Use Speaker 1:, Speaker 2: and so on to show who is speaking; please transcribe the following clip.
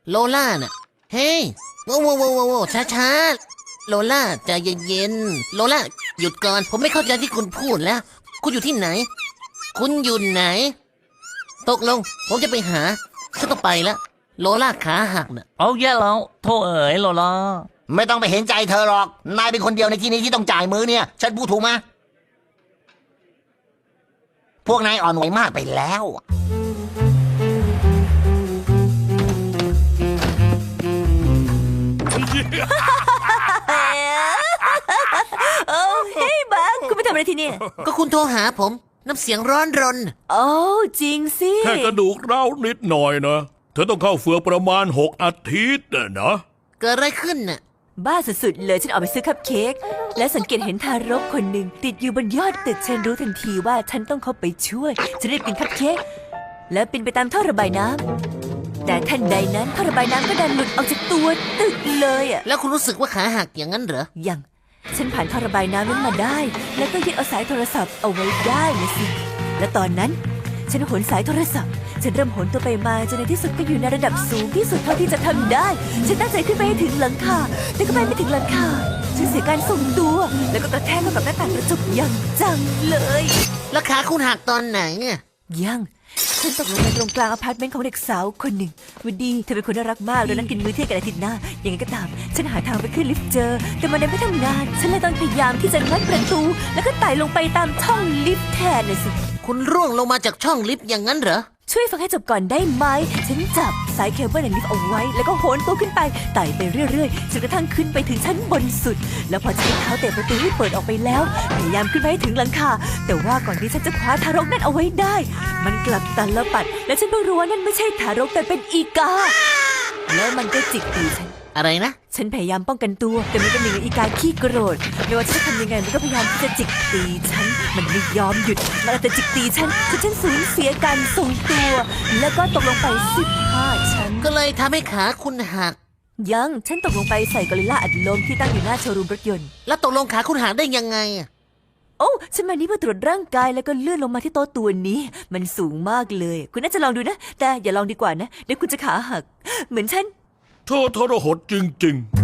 Speaker 1: โลล่าน่ะเฮ้ยโว้ช้าโลล่าใจเย็นๆโลล่าหยุดก่อนผมไม่เข้าใจที่คุณพูดแล้วคุณอยู่ที่ไหนคุณอยู่ไหนตกลงผมจะไปหาฉันต้องไปแล้วโลล่าขาหักน่ะ
Speaker 2: เอาแย่แล้วโทษเอ๋ยโลล่า
Speaker 3: ไม่ต้องไปเห็นใจเธอหรอกนายเป็นคนเดียวในที่นี้ที่ต้องจ่ายมือเนี่ยฉันพูดถูกไหมพวกนายอ่อนไหวมากไปแล้ว
Speaker 4: โอ้เฮ้ยบังคุณไปทำอะไรที่นี่
Speaker 1: ก็คุณโทรหาผมน้ำเสียงร้อนรน
Speaker 4: โอ้จริงสิ
Speaker 5: แค่กระดูกร้าวนิดหน่อยนะเธอต้องเข้าเฟือกประมาณ6 อาทิตย์นะ
Speaker 1: เกิดอะไรขึ้นน่ะ
Speaker 4: บ้าสุดๆเลยฉันออกไปซื้อคัพเค้กและสังเกตเห็นทารกคนหนึ่งติดอยู่บนยอดตึกฉันรู้ทันทีว่าฉันต้องเข้าไปช่วยฉันรีบกินคัพเค้กแล้วปีนไปตามท่อระบายน้ำแต่ทันใดนั้นท่อระบายน้ำก็ดันหลุดออกจากตัวตึกเลยอ่ะ
Speaker 1: แล้วคุณรู้สึกว่าขาหักอย่างนั้นเหรอ
Speaker 4: ยังฉันผ่านท่อระบายน้ำนั้นมาได้ แล้วก็ยึดเอาสายโทรศัพท์เอาไว้ได้นะสิและตอนนั้นฉันโหนสายโทรศัพท์ฉันเริ่มโหนตัวไปมาจนในที่สุดก็อยู่ในระดับสูงที่สุดเท่าที่จะทำได้ฉันตั้งใจขึ้นไปให้ถึงหลังคาแต่ก็ไปไม่ถึงหลังคาฉันเสียการทรงตัวแล้วก็กระแทกเข้ากับหน้าต่างกระจกอย่างจังเลย
Speaker 1: แล้วขาคุณหักตอนไหนอ่ะ
Speaker 4: ยังฉันตกลงไปตรงกลางอพาร์ตเมนต์ของเด็กสาวคนหนึ่งวันดีเธอเป็นคนน่ารักมากแล้วนัดกินมื้อเที่ยงกันอาทิตย์หน้ายังไงก็ตามฉันหาทางไปขึ้นลิฟต์เจอแต่มันยังไม่ทำงานฉันเลยต้องพยายามที่จะงัดประตูแล้วก็ไต่ลงไปตามช่องลิฟต์แทนเลยสิ
Speaker 1: คุณร่วงลงมาจากช่องลิฟต์อย่างนั้นเหรอ
Speaker 4: ช่วยฟังให้จบก่อนได้ไหมฉันจับสายเคเบิลในลิฟต์เอาไว้แล้วก็โหนตัวขึ้นไปไต่ไปเรื่อยๆจนกระทั่งขึ้นไปถึงชั้นบนสุดแล้วพอใช้เท้าเตะประตูให้เปิดออกไปแล้วพยายามขึ้นไปให้ถึงหลังคาแต่ว่าก่อนที่ฉันจะคว้าทารกนั่นเอาไว้ได้มันกลับตันละปัดและฉันเพิ่งรู้ว่านั่นไม่ใช่ทารกแต่เป็นอีกาแล้วมันก็จิกตีฉัน
Speaker 1: อะไรนะ
Speaker 4: ฉันพยายามป้องกันตัวแต่มันเป็นหนึ่งในอีกาขี้โกรธไม่ว่าฉันจะทำยังไงมันก็พยายามที่จะจิกตีฉันมันไม่ยอมหยุดมันแต่จิกตีฉันจนฉันสูญเสียการทรงตัวแล้วก็ตกลงไป15 ชั้น
Speaker 1: ก็เลยทำให้ขาคุณหัก
Speaker 4: ยังฉันตกลงไปใส่กอริลลาอัดลมที่ตั้งอยู่หน้าโชว์รูมรถยนต์
Speaker 1: แล้วตกลงขาคุณหักได้ยังไงอ่ะ
Speaker 4: โอ้ฉันมานี่เพื่อตรวจร่างกายแล้วก็เลื่อนลงมาที่โต๊ะตัวนี้มันสูงมากเลยคุณน่าจะลองดูนะแต่อย่าลองดีกว่านะเดี๋ยวคุณจะขาหักเหมือนฉัน
Speaker 5: เธอทรหดจริงๆ